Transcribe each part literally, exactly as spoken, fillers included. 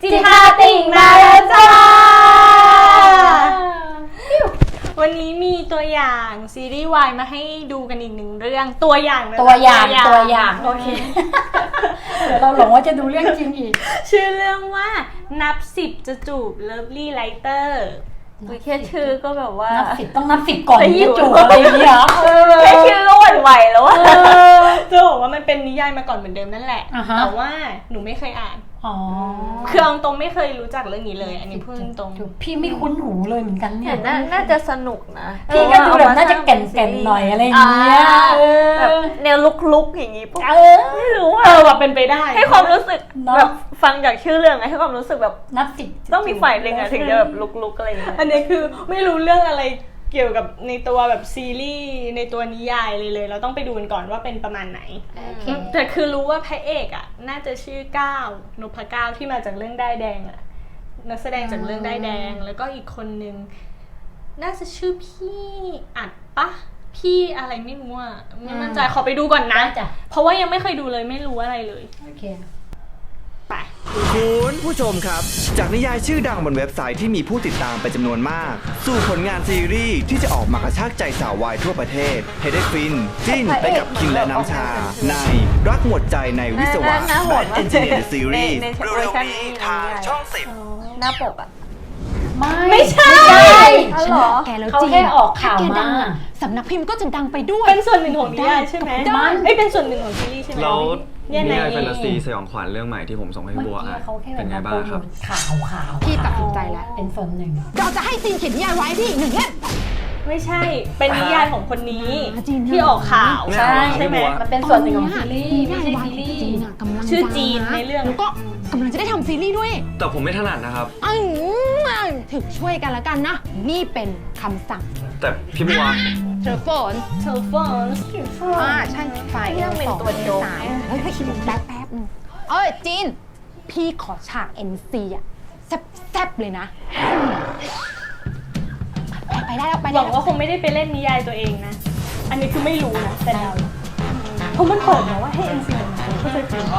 จิตาติ่งมาแล้วจ้าวันนี้มีตัวอย่างซีรีส์วายมาให้ดูกันอีกหนึ่งเรื่องตัวอย่างตัวอย่างตัวอย่างโอเคเดี๋ยวเราหลงว่าจะดูเรื่องจริงอีกชื่อเรื่องว่านับสิบจะจูบเลิฟลี่ไลเตอร์แค่ชื่อก็แบบว่านับสิบต้องนับสิบก่อนที่จะจูบอะไรอย่างเงี้ยแค่ชื่อก็หวั่นไหวแล้วว่าจะบอกว่ามันเป็นนิยายมาก่อนเหมือนเดิมนั่นแหละแต่ว่าหนูไม่เคยอ่านคือเอาตรงไม่เคยรู้จักเรื่องนี้เลยอันนี้พูดตรงพี่ไม่คุ้นหูเลยเหมือนกันเนี่ยน่าจะสนุกนะพี่ก็ดูแบบน่าจะแก่นๆหน่อยอะไรอย่างเงี้ยแบบแนวลุกๆอย่างงี้ปุ๊บไม่รู้เออแบบเป็นไปได้ให้ความรู้สึกแบบฟังจากชื่อเรื่องให้ความรู้สึกแบบนับสิบต้องมีฝ่ายหนึ่งอะถึงจะแบบลุกๆอะไรอย่างเงี้ยอันนี้คือไม่รู้เรื่องอะไรเกี่ยวกับในตัวแบบซีรีส์ในตัวนิยายเลยเลยเราต้องไปดูกันก่อนว่าเป็นประมาณไหนแต่คือรู้ว่าพระเอกอ่ะน่าจะชื่อก้าวนพก้าวที่มาจากเรื่องได้แดงอ่ะนักแสดงจากเรื่องได้แดงแล้วก็อีกคนนึงน่าจะชื่อพี่อัดปะพี่อะไรไม่รู้อ่ะไม่มั่นใจขอไปดูก่อนนะเพราะว่ายังไม่เคยดูเลยไม่รู้อะไรเลยโอเคไปคุณผู้ชมครับจากนิยายชื่อดังบนเว็บไซต์ที่มีผู้ติดตามเป็นจำนวนมากสู่ผลงานซีรีส์ที่จะออกมากระชากใจสาววายทั่วประเทศให้ได้ฟินจิ้นไปกับคิงและน้ำชาในรักหมดใจในวิศวะ Bad Engineer Series เร็วๆนี้ทางช่องสิบหน้าปกอะไม่ไม่ใช่แกแล้วจริงเขาแค่ออกข่าวมาสำนักพิมพ์ก็จะดังไปด้วยเป็นส่วนหนึ่งของนิยายใช่ไหมไม่เป็นส่วนหนึ่งของซีรีส์ใช่ไหมแล้วนิยายแฟนตาซีสยองขวัญเรื่องใหม่ที่ผมส่งให้บัวอ่ะเป็นไงบ้างครับข่าวข่าวพี่ตัดสินใจแล้วเป็นส่วนหนึ่งเราจะให้จีนเขียนนิยายไว้พี่หนึ่งเล่มไม่ใช่เป็นนิยายของคนนี้ที่ออกข่าวใช่ใช่ไหมมันเป็นส่วนหนึ่งของซีรีส์ไม่ใช่ซีรีส์ชื่อจีนในเรื่องแล้วก็กำลังจะได้ทำซีรีส์ด้วยแต่ผมไม่ถนัดนะครับถึงช่วยกันแล้วกันนะนี่เป็นคำสั่งแต่พี่บัวเทอร์โฟนเทอร์โฟนอ่าใช่ไฟเรื่องเป็นตัวโจ๊กเฮ้ยคิดแป๊บแป๊บเอ้ยจีนพี่ขอฉาก เอ็น ซี อ่ะแซ่บๆเลยนะไปได้แล้วไปหวังว่าคงไม่ได้ไปเล่นนิยายตัวเองนะอันนี้คือไม่รู้นะแต่เราเพราะมันเปิดมาว่าให้ เอ็น ซี มันก็จะจริง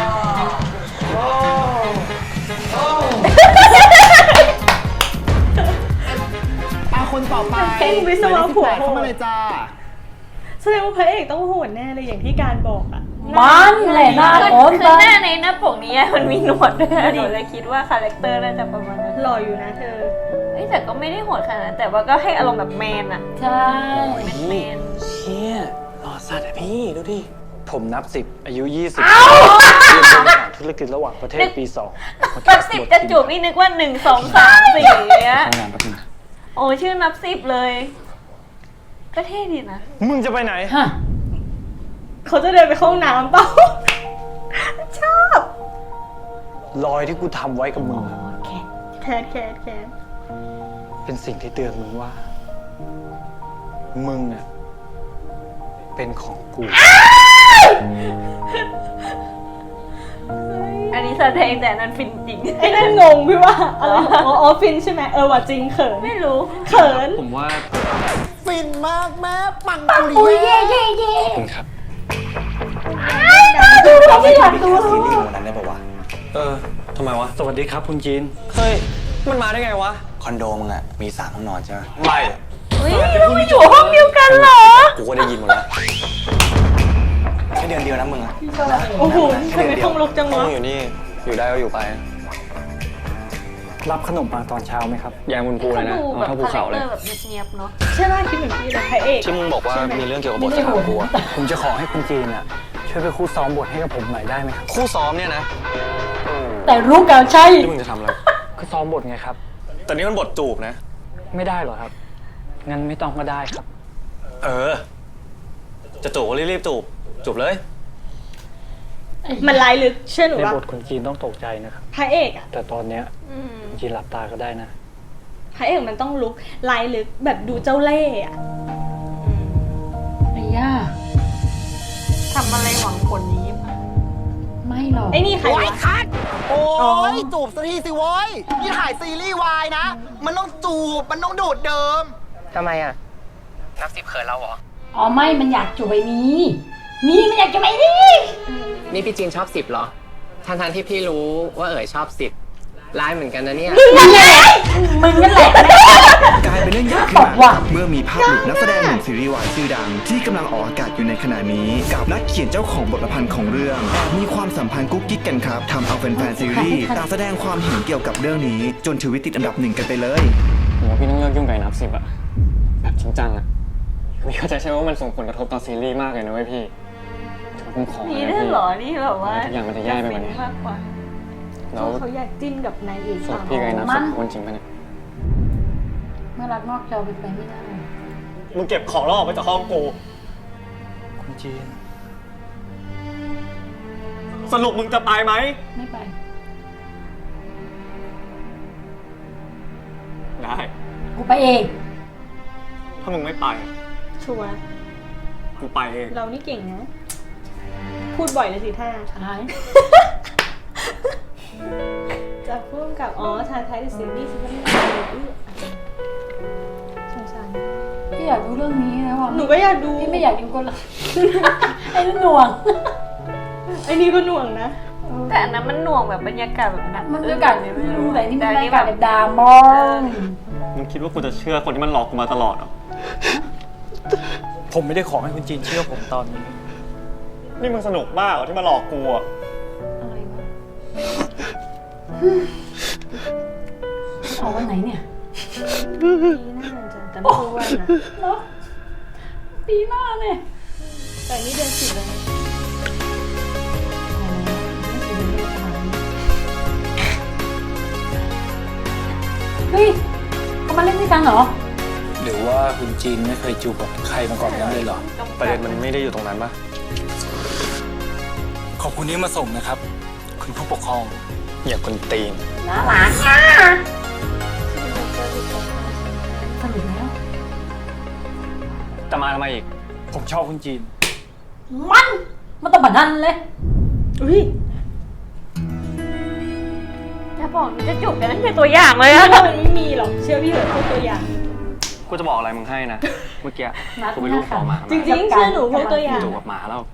อาคนต่อไปเป็นวิศวะผัวเข้ามาเลยจ้าแสดงว่าพระเอกต้องโหดแน่เลยอย่างที่การบอกอ่ะมันแหละหน้าโอนคือหน้าในหน้าปกนี้มันมีหนวดด้วยหนูเลยคิดว่าคาแรคเตอร์น่าจะประมาณนั้นหล่ออยู่นะเธอเอ้แต่ก็ไม่ได้โหดขนาดนั้นแต่ว่าก็ให้อารมณ์แบบแมนอะใช่แมนแมนเชี่ยหล่อสัตว์อะพี่ดูดิผมนับสิบอายุยี่สิบเรียนบริหารธุรกิจระหว่างประเทศปีสองนับสิบจะจูบนี่นึกว่าหนึ่งสองสามสี่เนี้ยโอ้ชื่อนับสิบเลยก็เท่ดีนะมึงจะไปไหนเขาจะเดินไปเข้าห้องน้ำเปล่าชอบรอยที่กูทำไว้กับมึงแคทแคทแคทแคทเป็นสิ่งที่เตือนมึงว่ามึงอ่ะเป็นของกูอันนี้แสดงแต่นั้นฟินจริงไอ้นั่นงงพี่ว่าอะไรอ๋อฟินใช่ไหมเออว่าจริงเขินไม่รู้เขินผมว่าฟินมากแม่ปังปุริเย่เย่เย่คุณครับเราไม่อยากดูซีรีส์วันนั้นได้ป่าววะเออทำไมวะสวัสดีครับคุณจีนเฮ้ยมันมาได้ไงวะคอนโดมึงอะมีสามห้องนอนใช่ไหมไม่เฮ้ยเราไม่อยู่ห้องเดียวกันเหรอกูก็ได้ยินหมดแล้วแค่เดือนเดียวนะมึงอะโอ้โหทำไมห้องรกจังวะอยู่นี่อยู่ได้ก็อยู่ไปรับขนมปังตอนเช้าไหมครับยายบุญภูเลยนะเท่าภูเขาเลยแบบเงียบๆเนาะใช่ไหมคิดเหมือนพี่เลยพระเอกที่มึงบอกว่ามีเรื่องเกี่ยวกับบทสามกูผมจะขอให้คุณจีนอะช่วยไปคู่ซ้อมบทให้กับผมหน่อยได้ไหมครับคู่ซ้อมเนี่ยนะแต่รู้กันใช่ที่มึงจะทำอะไรก็ซ้อมบทไงครับแต่นี่มันบทจูบนะไม่ได้หรอครับงั้นไม่ต้องก็ได้ครับเออจะจูบก็รีบๆจูบจูบเลยมันลายลึกเชื่อหนูว่าในบทคุณจีนต้องตกใจนะครับพระเอกอะแต่ตอนเนี้ยจีนหลับตาก็ได้นะพระเอกมันต้องลุกลายลึกแบบดูเจ้าเล่ห์อะไอ้ย่าทำอะไรหวังผลนี้ไม่หรอกไอ้นี่ใครวะคัดโอ้ยจูบสักทีสิโว้ยนี่ถ่ายซีรีส์วายนะมันต้องจูบมันต้องดูดเดิมทำไมอ่ะนับสิบเขินเราเหรออ๋อไม่มันอยากจูบไอ้นี้นี่มันอยากจูบไอ้นี่นี่พี่จีนชอบสิบเหรอทั้งๆที่พี่รู้ว่าเอ๋ยชอบสิบร้ายเหมือนกันนะเนี่ยมึงนั่นแหละกลายเป็นเรื่องใหญ่ขึ้นมาเมื่อมีภาพหลุดนักแสดงหนุ่มซีรีส์วายชื่อดัง ที่กำลังออกอากาศอยู่ในขณะนี้กับนักเขียนเจ้าของบทประพันธ์ของเรื่องแอบมีความสัมพันธ์กุ๊กกิ๊กกันครับทำเอาแฟนๆซีรีส์ต่างแสดงความเห็นเกี่ยวกับเรื่องนี้จนทวิตติดอันดับหนึ่งกันไปเลยผมว่าพี่ต้องเลิกยุ่งกับไอ้นับสิบอะแบบจริงจังอะพี่เข้าใจใช่ไหมว่ามันส่งผลกระทบต่อซีรีส์มากเลยนะเว้ยพี่ผมขอมีนะด้วยพี่เหรอนี่แบบว่าทุกอย่างมันจะแย่ไปกว่านี้มากกว่าแล้วเขาอยากจิ้นกับนายเอกส่วนสาวพี่กับไอ้นับสิบคนจริงปะเนี่ยเมื่อรักนอกจอเป็นไปไม่ได้มึงเก็บของแล้วออกไปจากห้องกูคุณจีนสรุปมึงจะไปไหมไม่ไปได้กูไปเองถ้ามึงไม่ไปชัวร์กูไปเองเรานี่เก่งนะ พูดบ่อยเลยสิท่าหายจะพูดกับอ๋อชาไทยเดอะซีรีส์ซิไม่ได้สงสารพี่อยากดูเรื่องนี้นะว่ะหนูก็อยากดูพี่ไม่อยากดูคนละ ไอ้นั่นหน่วงไอ้นี่ก็หน่วงนะแต่อันนั้นมันหน่วงแบบบรรยากาศแบบหนักมันบรรยากาศไม่รู้แต่นี่มันบรรแต่ยากาศแบบดรามอนมึงคิดว่ากูจะเชื่อคนที่มันหลอกกูมาตลอดเหรอผมไม่ได้ขอให้คุณจีนเชื่อผมตอนนี้นี่มึงสนุกมากเหรอที่มาหลอกกูอะอะไรวะเอาวันไหนเนี่ยปีหน้าจะแต่ไม่รู้วันนะเนาะปีหน้าเนี่ยแต่นี่เดือนสิบแล้วนะเฮ้ยเขามาเล่นด้วยกันเหรอหรือว่าคุณจีนไม่เคยจูบกับใครมาก่อนนั้นเลยเหรอประเด็นมันไม่ได้อยู่ตรงนั้นปะขอบคุณที่มาส่งนะครับ คุณผู้ปกครองอย่ากวนตีนน่ารักอ่ะสรุปแล้วจะมาทำไมอีกผมชอบคุณจีนมัน มันต้องแบบนั้นเลยอุ้ยจะบอกหนูจะจูบกันนั่นคือตัวอย่างเลยอะพี่ว่ามันไม่มีหรอกเชื่อพี่เถอะพูดตัวอย่างกูจะบอกอะไรมึงให้นะ เมื่อกี้นัดกูไปรูปคอหมาจริงๆเชื่อหนูพูดตัวอย่างจูบกับหมาแล้ว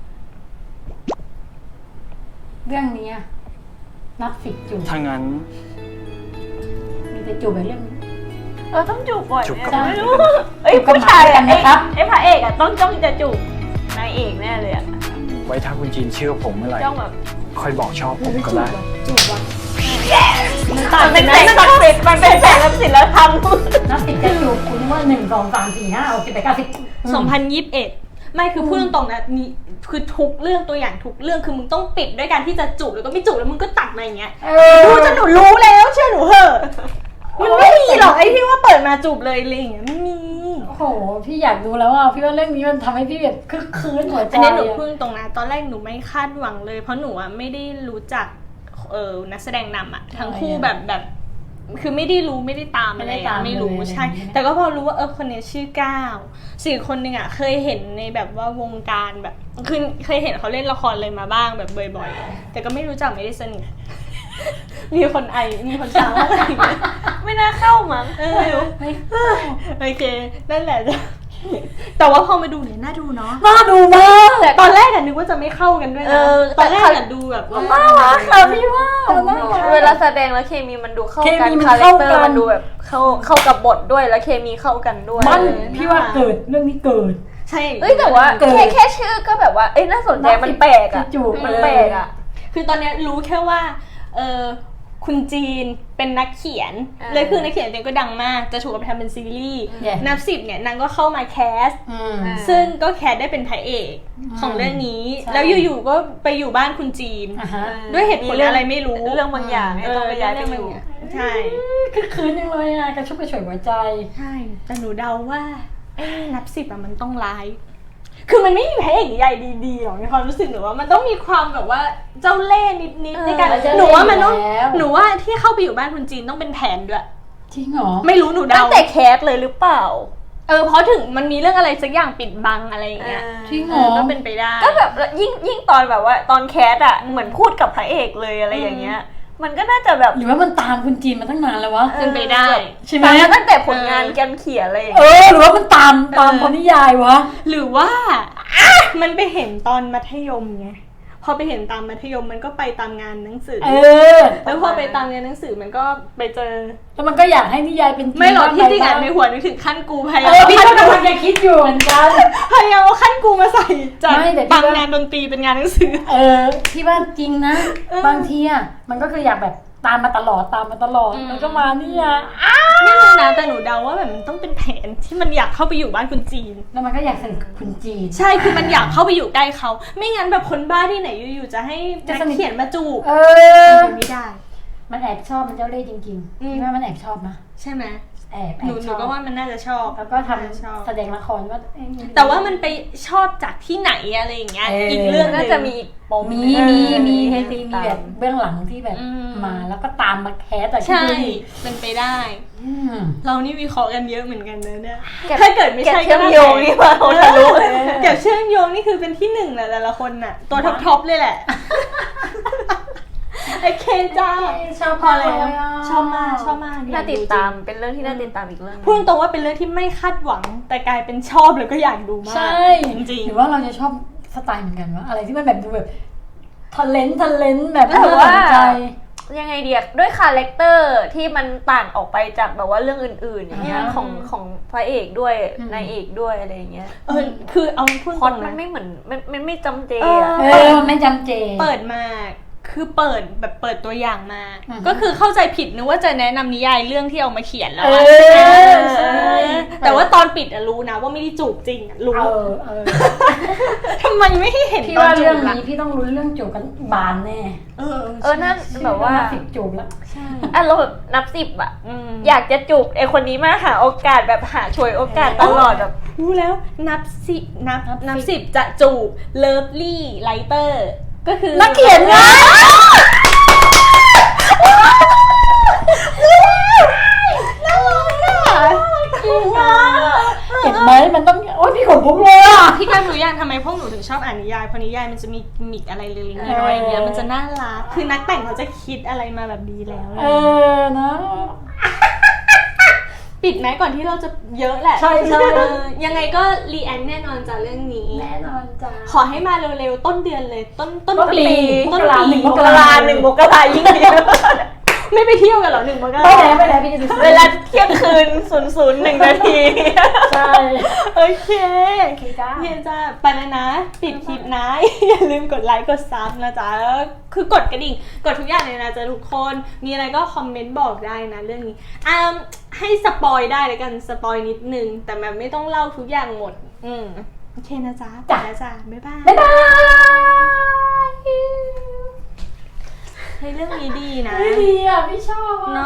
เรื่องนี้อะนับสิบจูบถ้างั้นมีแต่จูบแบบเรื่องนี้เออต้องจูบบ่อยจูบเนี่ยกับไม่หมารู้ด้วยกันนะครับเอ้ยจูบกับผู้ชายหมาด้วยกัอะนไอ้นะครับไอ้พระเอกอะต้องจ้องจะจูบนายเอกแน่เลยอะไว้ถ้าคุณจีนเชื่อผมเมื่อไหร่จ้องแบบค่อยบอกชอบผมก็ได้จูบว่ะมันเป็นแสงศักดิ์สิทธิ์มันเป็นแสงศักดิ์สิทธิ์แล้วทำนับสิบจะจูบคุณว่าหนึ่งสองสามสี่ห้าหกเจ็ดแปดเก้าสิบสองพันยี่สิบเอ็ดไม่คือพูดตรงๆนะนี่คือทุกเรื่องตัวอย่างทุกเรื่องคือมึงต้องปิดด้วยการที่จะจูบแล้วก็ไม่จูบแล้วมึงก็ตัดมาอย่างเงี้ยเออดูจนหนูรู้แล้วเชื่อหนูเถอะมันไม่มีหรอกไอ้ที่ว่าเปิดมาจูบเลยอะไรอย่างเงี้ยไม่มีโอ้โห พี่อยากดูแล้วอ่ะ พี่ว่าเรื่องนี้มันทำให้พี่แบบคึกคืนหัวใจอันนี้หนูอะพูดตรงนะตอนแรกหนูไม่คาดหวังเลย เพราะหนูอะไม่ได้รู้จักเออนักแสดงนำอะทั้งคู่แบบแบบคือไม่ได้รู้ไม่ได้ตามอะไรอะไม่รู้ใช่ แต่ก็พอรู้ว่าเออคนนี้ชื่อก้าวสี่คนหนึ่งอะเคยเห็นในแบบว่าวงการแบบคือเคยเห็นเขาเล่นละครเลยมาบ้างแบบบ่อยๆแต่ก็ไม่รู้จักไม่ได้สนิท มีคนไอมีคนช้าอะไรอย่างเงี้ยไม่น่าเข้ามั้งเออโอเคนั่นแหละจ้ะแต่ว่าพอมาดูเนี่ยน่าดูเนาะน่าดูมากแต่ตอนแรกอะนึกว่าจะไม่เข้ากันด้วยนะตอนแรกอะดูแบบว่าน่ารักค่ะพี่ว่าน่ารักเวลาแสดงแล้วเคมีมันดูเข้าเคกันมีมันคาแรคเข้าเตอกันร์มันดูแบบเข้าเข้ากับบทด้วยแล้วเคมีเข้ากันด้วยมันพี่ว่าเกิดเรื่องนี้เกิดใช่เอ้ยแต่ว่าเกิดแค่แค่ชื่อก็แบบว่าเอ้ยน่าสนใจมันแปลกอะจูบมันเลยแปลกอะคือตอนเนี้ยรู้แค่ว่าเออคุณจีนเป็นนักเขียนอ่าเลยคือนักเขียนจริงก็ดังมากจะถูกเอาไปทำเป็นซีรีส์ Yeah นับสิบเนี่ยนางก็เข้ามาแคสอืมซึ่งก็แคสได้เป็นพระเอกของเรื่องนี้ใช่แล้วอยู่ๆก็ไปอยู่บ้านคุณจีนอ่ะฮะด้วยเหตุผลอะไรไม่รู้เรื่องบางอย่างเนี่ยต้องไปย้ายไปอยู่ใช่คึกคืนจังเลยอ่ะกระชุ่มกระชวยหัวใจใช่แต่หนูเดาว่าไอ้นับสิบอะมันต้องร้าย คือมันไม่มีพระเอกใหญ่ดีๆหรอกในความรู้สึกหนูว่ามันต้องมีความแบบว่าเจ้าเล่ห์นิดๆในการเออเจ้าหเล่ห์นูว่ามันต้องอยู่แล้วหนูว่าที่เข้าไปอยู่บ้านคุณจีนต้องเป็นแผนด้วยจริงเหรอไม่รู้หนูตั้เดางแต่แคสเลยหรือเปล่าเออเพราะถึงมันมีเรื่องอะไรสักอย่างปิดบังอะไรอย่างเงี้ยจริงเหเอรออก็เป็นไปได้ก็แบบยิ่งยิ่งตอนแบบว่าตอนแคสอะเหมือนพูดกับพระเอกเลยอะไรอย่างเงี้ย มันก็น่าจะแบบหรือว่ามันตามคุณจีนมาตั้งนานแล้ววะเป็นไปได้ใช่ไหมตามตั้งแต่ผลงานการเขียนอะไรอย่างเอเงี้ยอหรือว่ามันตามตามคนนิยายวะหรือว่าอ่ะมันไปเห็นตอนมัธยมไงพอไปเห็นตามมัธยมมันก็ไปตามงานหนังสือเออแล้วพอไปตามงานหนังสือมันก็ไปเจอแล้วมันก็อยากให้นิยายเป็นจริงไม่หรอกที่จริงบ้าอ่ะในหัวนึกถึงขั้นกูพยาเอยามอพี่เอาก็ขั้นกูกำลังจะคิดอยู่เหมือนกันพยายามเอาขั้นกูมาใส่จากไม่แต่พี่บางว่างานดนตรีเป็นงานหนังสือเออพี่ว่าจริงนะเออบางทีอ่ะมันก็คืออยากแบบตามมาตลอดตามมาตลอดอืมแล้วก็มาเนี่ยไม่รู้นะแต่หนูเดาว่าแบบมันต้องเป็นแผนที่มันอยากเข้าไปอยู่บ้านคุณจีนแล้วมันก็อยากสนิทกับคุณจีนใช่คือมันอยากเข้าไปอยู่ใกล้เขา ไม่งั้นแบบคนบ้าที่ไหนอยู่ๆจะให้จะนักสนิทเขียนมาจูบเออเป็นไปไม่ได้มันแอบชอบมันเจ้าเล่ห์จริงอืมๆพี่ว่ามันแอบชอบนะใช่ไหมแอบแอหนูบหชนูอบก็ว่ามันน่าจะชอบแล้วก็ทน่าจะชอบำแสดงละครว่าเอ๊ะแต่ว่ามันไปชอบจากที่ไหนอะไรอย่างเงี้ยเอออีอีกเรื่องหน่านึงจะมีอีกปมมีหนึ่งมีมีให้มีติดมีตาแบมบเบื้องหลังที่แบบอืมมาแล้วก็ตามมาแคสแต่ใช่ที่ดูดิเป็นไปได้อืมเรานี่วิเคราะห์กันเยอะเหมือนกันนะเนี่ยเก็บถ้าเกิดไม่ใช่เก็บเชื่อมโยงนี่มาเอาทะลุเลยเก็บเชื่อมโยงนี่คือเป็นที่หนึ่งแหละแต่ละคนน่ะ ตัวท็อปท็อปเลยแหละโอเคจ้าชอบพอแล้วเลยะชอบมากชอบมากน่าติดตามเป็นเรื่องที่น่าติดตามอีกเรื่องหนึ่งพูดตรงว่าเป็นเรื่องที่ไม่คาดหวัง แต่กลายเป็นชอบแล้วก็อยากดูมากใช่จริงหรือว่าเราจะชอบสไตล์เหมือนกันวะอะไรที่มันแบบดูแบบทะเลนทะเลนแบบหรือน่าว่าสนใจยังไงเดียด้วยคาแรคเตอร์ที่มันต่างออกไปจากแบบว่าเรื่องอื่นๆอย่างเงี้ยอืมของของพระเอกด้วยอืมนายเอกด้วยอะไรอย่างเงี้ยๆเออคือเอาพูดพล็อตตรงมันนะไม่เหมือนมันมันไม่จำเจเอออะเออไม่จำเจเปิดมาคือเปิดแบบเปิดตัวอย่างมาอือฮึก็คือเข้าใจผิดนึกว่าจะแนะนำนิยายเรื่องที่เอามาเขียนแล้วเออะอใช่แต่ว่าตอนปิดอะรู้นะว่าไม่ได้จูบจริงอะรู้เออเออทำไมไม่ให้เห็นพี่ตอนว่าจูเรื่องบล่ะนี้พี่ต้องลุ้นเรื่องจูบกันบานแน่เออเออนั่นแบบว่าสิบจูบแล้วใช่อ่ะเราแบบนับสิบอะอืมอยากจะจูบไอคนนี้มากหาโอกาสแบบหาช่วยโอกาสตลอดแบบรู้แล้วนับสินับนับสิบนับสิบจะจูบเลิฟลี่ไลเตอร์ก็คือนักเขียนไงจริงอ่ะเห็นไหมมันต้องโอ๊ยพี่ขนลุกเลยอ่ะพี่กันรู้ยังทำไมพวกหนูถึงชอบอ่านนิยายเพราะนิยายมันจะมีกิมมิกอะไรเล็กๆน้อยๆอย่างเงี้ยมันจะน่ารักคือนักแต่งเขาจะคิดอะไรมาแบบดีแล้วเออนะปิดไหมก่อนที่เราจะเยอะแหละใช่ใช่เออยังไงก็รีแอคแน่นอนจากเรื่องนี้แน่นอนจ้าขอให้มาเร็วๆต้นเดือนเลยต้นต้นต้นปีปีมต้นกราปีหนึ่งมกราหนึ่งมกรายิ่งดีไม่ไปเที่ยวกันเหรอหนึ่งมกราไปแล้วไปแล้วพี่จะซื้อเวลาเที่ยงคืนศูนย์ศูนย์หนึ่งนาทีใช่โอเคโอเคจ้าเฮียจ้าไปแล้วนะ ปิดคลิปนะ อย่าลืมกดไลค์กดซับนะจ๊ะแล้วคือกดกระดิ่งกดทุกอย่างเลยนะจ๊ะทุกคนมีอะไรก็คอมเมนต์บอกได้นะเรื่องนี้อ่าให้สปอยได้เลยกันสปอยนิดนึงแต่แบบไม่ต้องเล่าทุกอย่างหมดอืมโอเคนะจ๊ะไปแล้วจ้ะบ๊ายบายบ๊ายบายให้เรื่องนี้ดีนะไม่ดีอ่ะไม่ชอบอ่ะ